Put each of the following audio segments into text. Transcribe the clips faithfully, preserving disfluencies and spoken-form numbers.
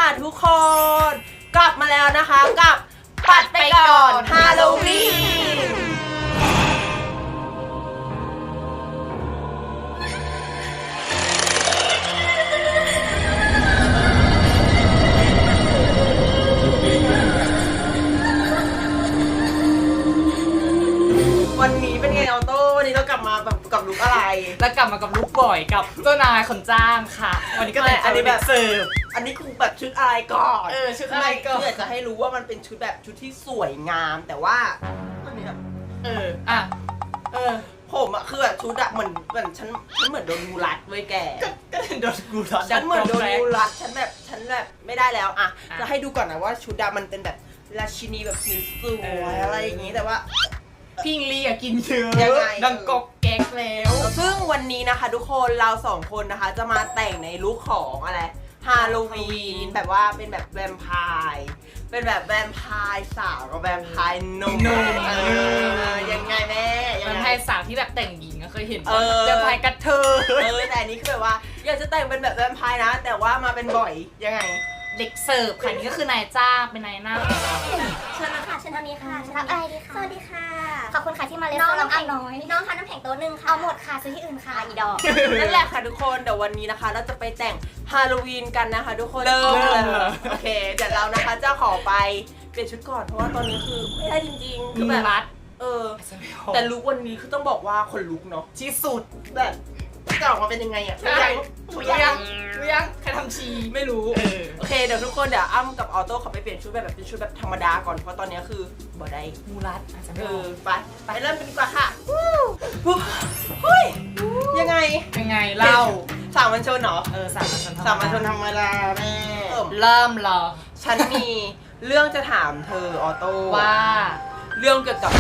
ค่ะทุกคนกลับมาแล้วนะคะกับปัดไปก่อนฮาโลวีนวันนี้เป็นไงออโต้วันนี้เรากลับมาแบบกับลุคอะไรแล้วกลับมากับลุคบ่อยกับเจ้านายคนจ้างค่ะวันนี้ก็เลยอันนี้แบบเสิร์ฟอันนี้คือแบบชุดอะไรก่อนเออชุดอะไรก่อนเพื่อจะให้รู้ว่ามันเป็นชุดแบบชุดที่สวยงามแต่ว่าอันนี้แบบเอออ่ะเออผมอะคือแบบชุดอะเหมือนเหมือนฉันฉันเหมือนโดนงูรัดเว้ยแกก็โดนงูรัดฉันเหมือนโดนงูรัดฉันแบบฉันแบบไม่ได้แล้วอะจะให้ดูก่อนนะว่าชุดอะมันเป็นแบบราชินีแบบสวยอะไรอย่างงี้แต่ว่าพิงลี่อะกินเยอะดังกอกแก๊กแล้วซึ่งวันนี้นะคะทุกคนเราสองคนนะคะจะมาแต่งในลุคของอะไรฮาโลวีนแบบว่าเป็นแบบแวมไพร์เป็นแบบแวมไพร์สาวกับแวมไพร์หนุ่มเออยังไงแม่แวมไพร์สาวที่แบบแต่งหญิงก็เคยเห็นแวมไพร์กระเทยเออแต่อันนี้คือแบบว่าอยากจะแต่งเป็นแบบแวมไพร์นะแต่ว่ามาเป็นบ่อยยังไงเด็กเสิร์ฟค่ะนี่ก็คือนายจ้างเป็นนายหน้าเชิญนะคะเชิญทางนี้ค่ะเชิญรับอะไรดีคะสวัสดีค่ะขอบคุณค่ะที่มาเล่นน้องน้ำแข็งน้อยน้องคะน้ำแข็งโต๊ะนึงค่ะเอาหมดค่ะซื้อที่อื่นค่ะอีดอกนั่นแหละค่ะทุกคนเดี๋ยววันนี้นะคะเราจะไปแต่งฮาโลวีนกันนะคะทุกคนเริ่มเลยโอเคเดี๋ยวเรานะคะจะขอไปเปลี่ยนชุดก่อนเพราะว่าตอนนี้คือไม่ได้จริงๆคือแบบเออแต่ลุควันนี้คือต้องบอกว่าคนลุกเนาะที่สุดแบบจะออกมาเป็นยังไงอ่ะยังยังยังใครทำชีไม่รู้โอเคเดี๋ยวทุกคนเดี๋ยวอ้ำกับออโต้ขอไปเปลี่ยนชุดแบบเป็นชุดแบบธรรมดาก่อนเพราะตอนนี้คือบ่ได้มูรัดอาจจะเออไปไปเริ่มกันดีกว่าค่ะเฮ้ยยังไงยังไงเล่าสามัญชนเหรอเออสามัญชนสามัญชนธรรมดาแม่เริ่มรอฉันมีเรื่องจะถามเธอออโต้ว่าเรื่องเกี่ยวกับ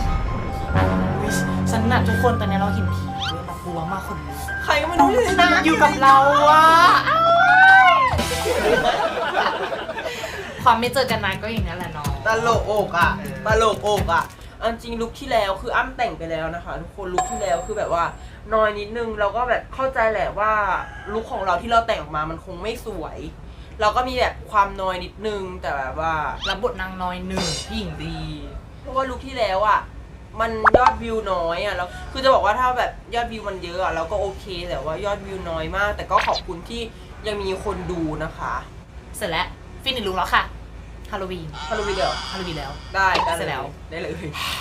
ฉันน่ะทุกคนตอนนี้เราเห็นผีเยอะแบบกลัวมากคนลุกใครก็ไม่รู้เลยนะอยู่กับเราอะความไม่เจอกันนานก็อย่างนั้นแหละน้องตลกอกอ่ะตลกอกอ่ะจริงลุคที่แล้วคืออ้ำแต่งไปแล้วนะคะทุกคนลุคที่แล้วคือแบบว่าน้อยนิดนึงเราก็แบบเข้าใจแหละว่าลุคของเราที่เราแต่งออกมามันคงไม่สวยเราก็มีแบบความน้อยนิดนึงแต่แบบว่ารับบทนางน้อยหนึ่งพี่หญิงดีเพราะว่าลุคที่แล้วอ่ะมันยอดวิวน้อยอ่ะแล้วคือจะบอกว่าถ้าแบบยอดวิวมันเยอะอ่ะเราก็โอเคแต่ว่ายอดวิวน้อยมากแต่ก็ขอบคุณที่ยังมีคนดูนะคะเสร็จแล้วฟินิชลุคแล้วค่ะฮาโลวีนฮาโลวีนเดี๋ยวฮาโลวีนแล้วได้ได้เสร็จแล้วได้เลย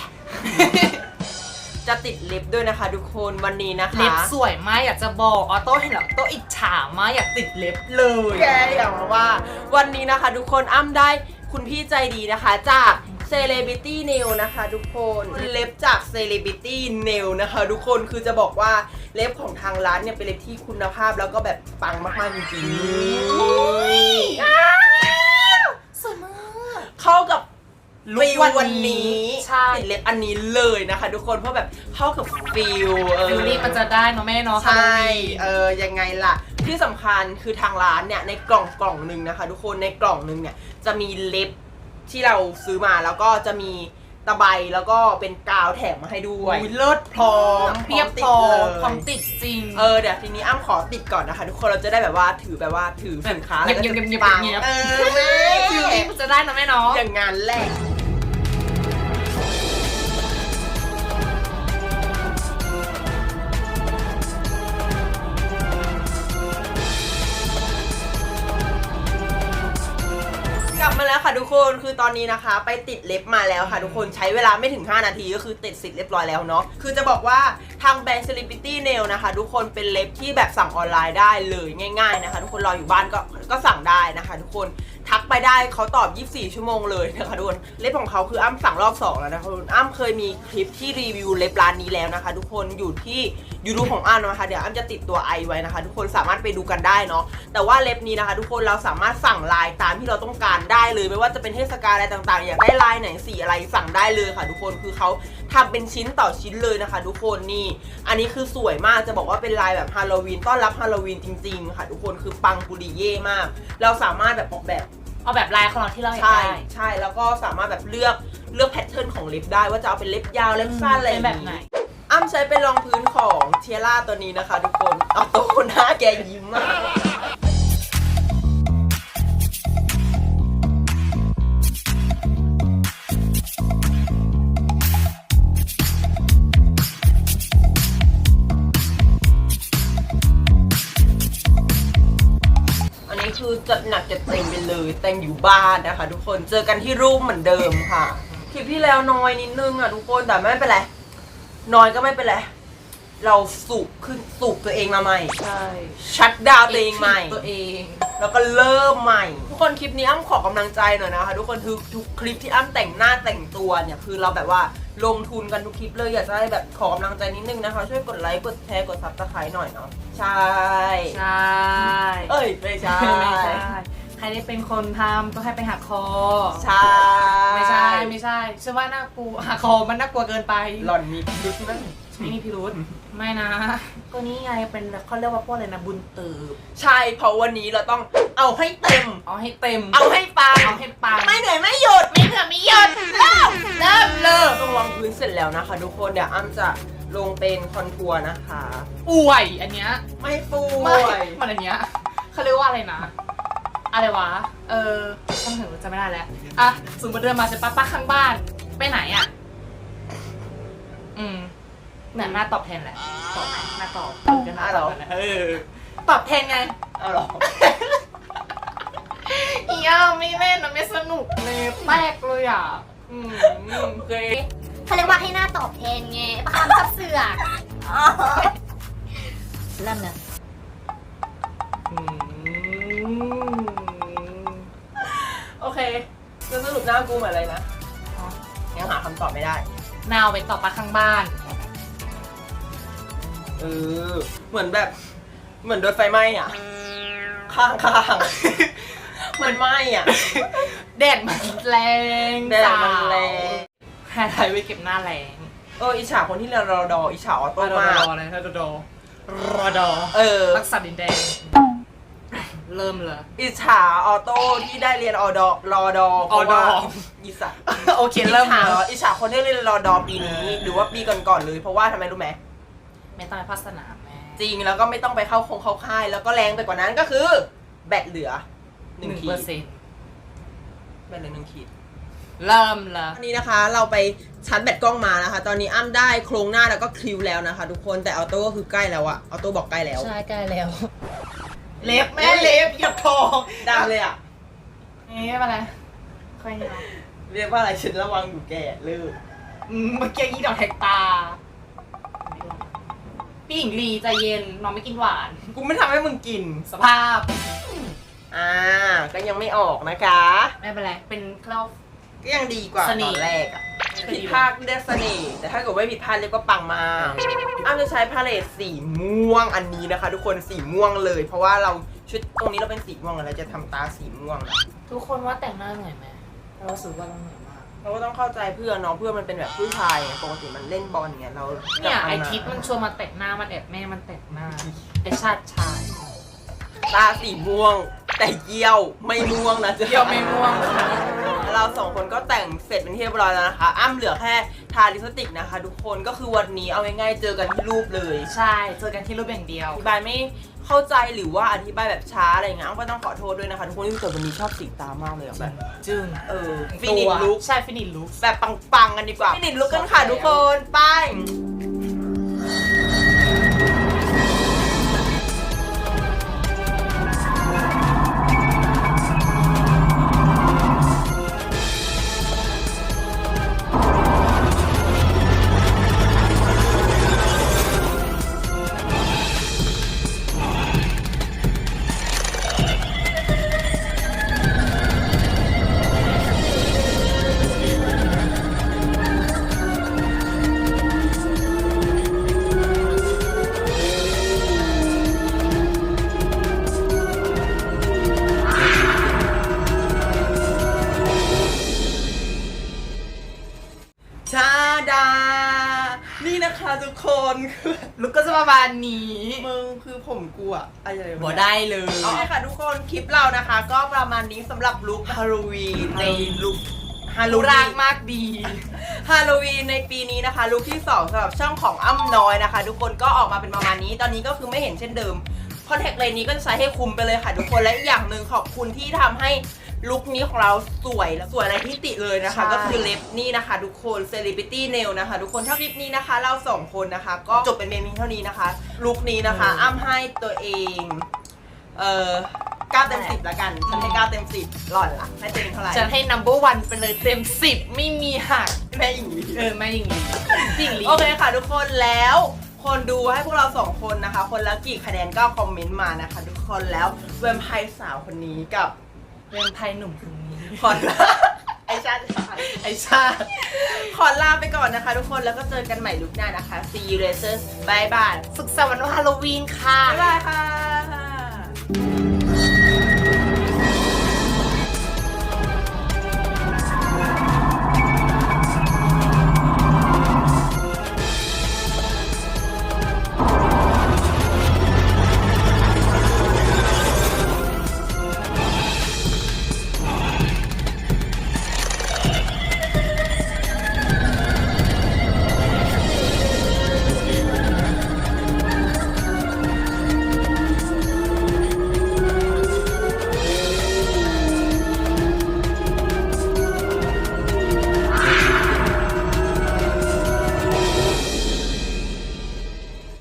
จะติดเล็บด้วยนะคะทุกคนวันนี้นะคะเล็บสวยมากอยากจะบอกออโต้เห็นแล้วโต้อิจฉามากอยากติดเล็บเลยแกอยากมาว่าวันนี้นะคะทุกคนอ้ำได้คุณพี่ใจดีนะคะจากCelebrity Nail นะคะทุกคนเล็บจาก Celebrity Nail นะคะทุกคนคือจะบอกว่าเล็บของทางร้านเนี่ยเป็นเล็บที่คุณภาพแล้วก็แบบปังมากๆจริงๆสวยมากเข้ากับฟิลวันนี้ติดเล็บอันนี้เลยนะคะทุกคนเพราะแบบเข้ากับฟิลเออนี่มันจะได้เนาะแม่เนาะใช่เออยังไงล่ะที่สำคัญคือทางร้านเนี่ยในกล่องกล่องหนึ่งนะคะทุกคนในกล่องหนึ่งเนี่ยจะมีเล็บที่เราซื้อมาแล้วก็จะมีตะไบแล้วก็เป็นกาวแถมมาให้ด้วยเลิศพร้อมเพียบพร้อมพร้อมติดจริงเออเดี๋ยวทีนี้อ้ำขอติดก่อนนะคะทุกคนเราจะได้แบบว่าถือแบบว่าถือสินค้าแล้วก็จะปังเออแม่ฟิลนี้จะได้นะแม่เนาะอย่างงานแรกกลับมาแล้วค่ะทุกคนคือตอนนี้นะคะไปติดเล็บมาแล้วค่ะทุกคนใช้เวลาไม่ถึงห้านาทีก็คือติดเสร็จเรียบร้อยแล้วเนาะคือจะบอกว่าทางแบรนด์ Celebrity Nail นะคะทุกคนเป็นเล็บที่แบบสั่งออนไลน์ได้เลยง่ายๆนะคะทุกคนรออยู่บ้านก็ก็สั่งได้นะคะทุกคนทักไปได้เขาตอบยี่สิบสี่ชั่วโมงเลยนะคะทุกคนเล็บของเขาคืออ้ำสั่งรอบสองแล้วนะคะทุกคนอ้ำเคยมีคลิปที่รีวิวเล็บร้านนี้แล้วนะคะทุกคนอยู่ที่ยูทูบของอ้ำนะคะเดี๋ยวอ้ำจะติดตัวไอไว้นะคะทุกคนสามารถไปดูกันได้เนาะแต่ว่าเล็บนี้นะคะทุกคนเราสามารถสั่งลายตามที่เราต้องการได้เลยไม่ว่าจะเป็นเทศกาลอะไรต่างๆอยากได้ลายไหนสีอะไรสั่งได้เลยค่ะทุกคนคือเขาทำเป็นชิ้นต่อชิ้นเลยนะคะทุกคนนี่อันนี้คือสวยมากจะบอกว่าเป็นลายแบบฮาโลวีนต้อนรับฮาโลวีนจริงๆค่ะทุกคนคือปังปุริเย่มากเราสามารถแบบออกแบบเอาแบบลายของเราที่เราอยากได้ใช่แล้วก็สามารถแบบเลือกเลือกแพทเทิร์นของเล็บได้ว่าจะเอาเป็นเล็บยาวเล็บสั้นอะไรแบบไหนอ้ำใช้เป็นรองพื้นของเทียร่าตัวนี้นะคะทุกคนเอาตัวหน้าแกยิ้มมากคือจัดหนักจัดเต็มไปเลยแต่งอยู่บ้านนะคะทุกคนเจอกันที่รูปเหมือนเดิมค่ะคลิปที่แล้วน้อยนิดนึงอ่ะทุกคนแต่ไม่เป็นไรน้อยก็ไม่เป็นไรเราสูบขึ้นสูบตัวเองมาใหม่ใช่ชัดดาวน์ตัวเองใหม่ตัวเองแล้วก็เริ่มใหม่ทุกคนคลิปนี้อ้ำขอกำลังใจหน่อยนะคะทุกคนทุกทุกคลิปที่อ้ำแต่งหน้าแต่งตัวเนี่ยคือเราแบบว่าลงทุนกันทุกคลิปเลยอยากจะให้แบบขอกำลังใจนิดนึงนะคะช่วยกดไลค์กดแชร์กดซับสไครต์หน่อยเนาะใช่ใช่เอ้ยไม่ใช่ไม่ใช่ใครได้เป็นคนทำต้องให้ไปหักคอใช่ไม่ใช่ไม่ใช่ฉันว่าน่ากลัวหักคอมันน่ากลัวเกินไปหล่อนมีพิรุธนั่นไม่มีพิรุธไม่นะก็นี่ไงเป็นเขาเรียกว่าพวกอะไรนะบุญตืบใช่เพราะวันนี้เราต้องเอาให้เต็มเอาให้เต็มเอาให้ปังเอาให้ปังไม่เหนื่อยไม่หยุดไม่เหนื่อยไม่หยุดเริ่มเริ่มเริ่มต้องวางพื้นเสร็จแล้วนะคะทุกคนเดี๋ยวอ้ำจะลงเป็นคอนทัวร์นะคะป่วยอันเนี้ยไม่ป่ไม่วยมันอันเนี้ยเขาเรียกว่าอะไรนะอะไรวะเออช่างเถอะจะไม่ได้แล้วอ่ะสมมติเดินมาใช่ปะป้าข้างบ้านไปไหนอ่ะอืมเนี่ยหน้าตอบแทนแหละตอบไหมหน้าตอบเออก็หน้าตอบกันนะเออตอบแทนไงเอาหรออีอ่ะไม่เล่นนะไม่สนุกเลยแตกเลยอ่ะอืมโอเคเขาเรียกว่าให้หน้าตอบแทนไงประคำซับเสือกเริ่มเลยอืมโอเคแล้วสรุปหน้ากูเหมือนอะไรนะยังหาคำตอบไม่ได้นาวไปตอบปลาข้างบ้านเออเหมือนแบบเหมือนโดนไฟไหม้อ่ะข้างข้างๆเหมือนไหม้อ่ะแดดมันแรงแดดมันแรงแฮร์ไทยไว้เก็บหน้าแรงเอออิจฉาคนที่เรียนรอดออิจฉาออโต้รอมากดอเลยรอดอรอดอเออรักษาดินแดง เริ่มเลยอิจฉาออโต้ที่ได้เรียนออดอรอดอเพราะว่าออดออิสระโอเคเริ่มอิจฉาเลยอิจฉาคนที่เรียนรอดอปีนี้ หรือว่าปีก่อนๆเลยเพราะว่าทำไมรู้ไหมไม่ต้องไปพัฒนาแม่จริงแล้วก็ไม่ต้องไปเข้าคงเข้าค่าย แล้วก็แรงไปกว่านั้นก็คือ แบตเหลือหหนึ่นึ่งงขีเปอดร์เซ็นต์แบตเหลือหนึ่งขีดเริ่มเลยตอนนี้นะคะเราไปชาร์จแบตกล้องมานะคะ ตอนนี้อ้ำได้โครงหน้าแล้วก็คลิวแล้วนะคะ ทุกคนแต่ออโต้ก็คือใกล้แล้วอะออโต้บอกใกล้แล้วใช่ใกล้แล้วเล็บแม่เล็บหยับทองดำเลยอะเอ๊ะอะไรค่อยเนาะเรียกว่าอะไรฉันระวังอยู่แก่เลิกอืมเมื่อกี้ยี่ดอกแทกตาพี่หญิงลีใจเย็นน้องไม่กินหวานกูไม่ทำให้มึงกินสภาพอ่าก็ยังไม่ออกนะคะไม่เป็นไรเป็นเคล้าก็ยังดีกว่าเสตน่อห์นแรกอะผิดพลาดเรียกเสน่ห์แต่ถ้าเกิดไม่ผิดพลาดเรียกว่าปังมากอ้ำจะใช้พาเลตสีม่วงอันนี้นะคะ ทุกคนสีม่วงเลย เพราะว่าเราชุดตรงนี้เราเป็นสีม่วงแล้วเราจะทำตาสีม่วงนะทุกคนว่าแต่งหน้าเหนื่อยไหมเรารู้สึกว่าเราเหนื่อยมากเราก็ต้องเข้าใจเพื่อนเนาะเพื่อนมันเป็นแบบผู้ชายไงปกติมันเล่นบอลเงี้ยเราเนี่ยจับไอมาทิศมันชวนมาแต่งหน้ามันแอบแม่มันแต่งหน้าไอชาติชายตาสีม่วง แต่เยี่ยวไม่ม่วงนะจ๊ะเยี่ยวไม่ม่วงค่ะเราสองคนก็แต่งเสร็จเป็นที่เรียบร้อยแล้วนะคะ อ้ำเหลือแค่ทาลิปสติกนะคะ ทุกคนก็คือวันนี้เอาง่ายๆเจอกันที่รูปเลยใช่เจอกันที่รูปอย่างเดียวอธิบายไม่เข้าใจหรือว่าอธิบายแบบช้าอะไรเงี้ยอ้ำก็ต้องขอโทษด้วยนะคะทุกคนที่เกิดวันนี้ชอบสีตามากเลยอะแบบจึงเออฟินิชลุคใช่ฟินิชลุคแบบปังๆกันดีกว่าฟินิชลุคกันค่ะทุกคนไปชาดา นี่นะคะทุกคนคือลุคก็จะประมาณนี้มึงคือผมกูอะอะไรวะบ่ได้เลยเอาค่ะทุกคนคลิปเรานะคะ ก็ประมาณนี้สำหรับลุคฮาโลวีนในลุคฮาโลรูวีร่างนมากดีฮาโลวีนในปีนี้นะคะลุคที่สองสำหรับช่องของอ้ำน้อยนะคะ ทุกคนก็ออกมาเป็นประมาณนี้ตอนนี้ก็คือไม่เห็นเช่นเดิมคอนแทคเลนส์นี้ก็จะใช้ให้คุมไปเลยค่ะทุกคนและอีกอย่างหนึ่งขอบคุณที่ทำให้ลุคนี้ของเราสวยและสวยอะไรที่ติเลยนะคะใช่ก็คือเล็บนี่นะคะทุกคน Celebrity Nail นะคะทุกคนถ้าคลิปนี้นะคะ เราสองคนนะคะ ก็จบเป็นเมนูเท่านี้นะคะลุคนี้นะคะ อ้ำให้ตัวเองเอ่อเก้าเต็มสิบละกันฉันให้เก้าเต็มสิบหล่อนละให้เต็มเท่าไหร่ฉันให้ number one ไปเลยเต็มสิบไม่มีหักแม่หญิงลีเออไม่ยิงลียิงลีโอเคค่ะทุกคนแล้วคนดูให้พวกเราสองคนนะคะ คนละกี่คะแนนก็คอมเมนต์มานะคะ ทุกคนแล้วแวมไพร์สาวคนนี้กับเรื่องไพ่หนุ่มคนนี้ขอลาไอชาติไอชาติขอลาไปก่อนนะคะ ทุกคนแล้วก็เจอกันใหม่ลุคหน้านะคะ see you later บายบายสุขสันต์วันฮาโลวีนค่ะบ๊ายบายค่ะ